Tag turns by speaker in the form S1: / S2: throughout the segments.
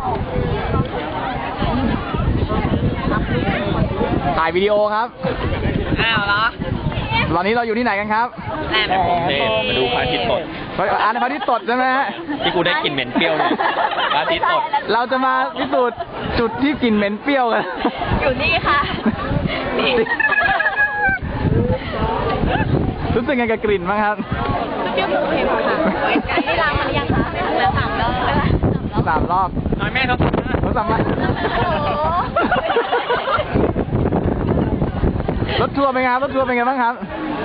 S1: ถ่ายวิดีโอครับ
S2: อ้าวเหรอ
S1: ตอนนี้เราอยู่ที่ไหนกันครับ
S2: แหลม
S3: กรุงเทพมาดูพระอาทิตย์ตก
S1: อ่านพระอาทิตย์ตกใช่ไหมฮะ
S3: ที่กูได้กลิ่นเหม็นเปรี้ยวเลยพระอาทิตย์ตก
S1: เราจะมาพิสูจน์จุดที่กลิ่นเหม็นเปรี้ยวกัน
S2: อยู่นี่ค่ะนี่
S1: รู้สึกไงกับกลิ่นบ้างครับ
S2: เปรี้ยวเค็มค่ะนี่ล้างมันยังคะแล้ว3 รอบ
S1: 3 รอบ
S3: น้อยแม่ครับ
S1: รถสามารถรถทัวร์เป็นไงครับรถทัวร์เป็นไงบ้างครับ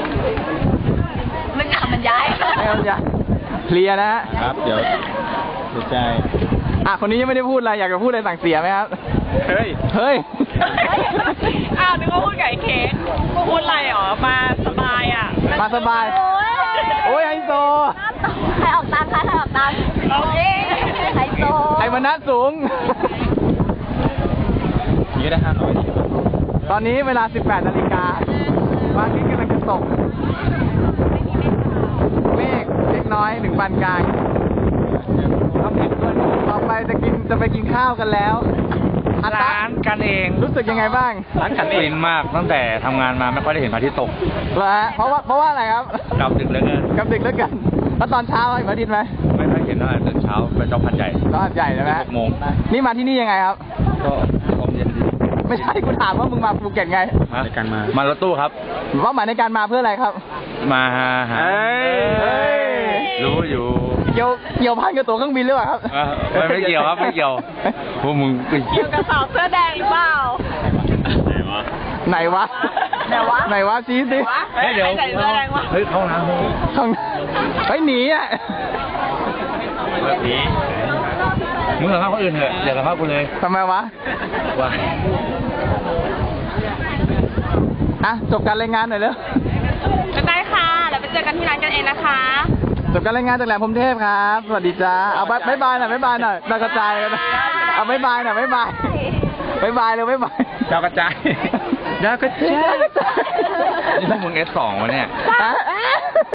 S2: มันขับมันย้าย
S1: ไม่เอาอย่าเคลียร์นะฮะ
S3: ครับเดี๋ยวเสียใจ
S1: คนนี้ยังไม่ได้พูดอะไรอยากจะพูดอะไรสั่งเสียไหมครับ
S3: เฮ้ย
S1: เฮ้ย
S2: อ้าวนึกว่าพูดกับไอ้เค้กพูดอะไรหรอมาสบายอ่ะ
S1: มาสบาย โอ้ยไฮโซ
S2: ใครออกตังค์คะใครออกตังค์ไฮโซ
S1: ไอ้มนัสสูง
S3: นี่ได้500
S1: ตอนนี้เวลา 18 นาฬิกาพระอาทิตย์กำลังจะตก เมฆเล็กน้อยถึงปานกลางต่อไปจะไปกินข้าวกันแล้ว
S3: ร้านกันเอง
S1: รู้สึกยังไงบ้าง
S3: ร้านกันเองมากตั้งแต่ทำงานมาไม่ค่อยได้เห็นพระอาทิตย์ตก
S1: เหรอฮะเพราะว่าอะไรครับ
S3: กลับดึกเหลือเกิน
S1: กลับดึกแล้วกัน แล้วตอนเช้าเห็นพระอาทิตย์ไหม
S3: ไม่ค่อยเห็นเท่าไหร่ตื่นเช้าเป็นเจ้าพันใหญ่
S1: ตอนใหญ่ใช่ไหม
S3: 6 โมง
S1: นี่มาที่นี่ยังไงครับ
S3: ก็ลมเย็นดี
S1: ไม่ใช่กูถามว่ามึงมาภูเก็ตไง
S3: ในการมารถตู้ครับ
S1: เป้าหมายในการมาเพื่ออะไรครับ
S3: มาหา
S1: เฮ้ย
S3: รู้อยู่
S1: เกี่ยวพันกับตั๋วเครื่องบินหรือเปล่าครับ
S3: ไม่เกี่ยวครับไม่เกี่ยวพวกมึงไปเกี่ยว
S2: กระสอบเสื้อแดงหรือเปล่า
S1: ไหนวะ
S2: ไหนวะ
S1: ไหนวะชี้สิ
S3: เฮ้ยเดี๋ยว
S2: ใส่เสื้อแดงวะ
S3: เฮ้ยเข้าน้ำ
S1: ข้างไปหนีอ่ะ
S3: แบบนี้มึงสัมภาษณ์คนอื่นเถอะอย่าสัมภาษณ์กูเลย
S1: ทำไมวะ
S3: ว่า
S1: จบการรายงานหน่อยเร็ว
S2: ได้ค่ะแล้วไปเจอกันที่ร้านกันเองนะคะ
S1: จบการรายงานจากแหลมพรหมเทพครับ สวัสดีจ้า เอาบ๊ายบายหน่อยบ๊ายบายหน่อยเรากระจายกันนะเอาบ๊ายบายหน่อยบ๊ายบายบ๊ายบายเร็วบ๊ายบาย
S3: ดาวกระจายดาวกระจายนี่พวกมึง S2 วะเนี่ย
S1: ฮะ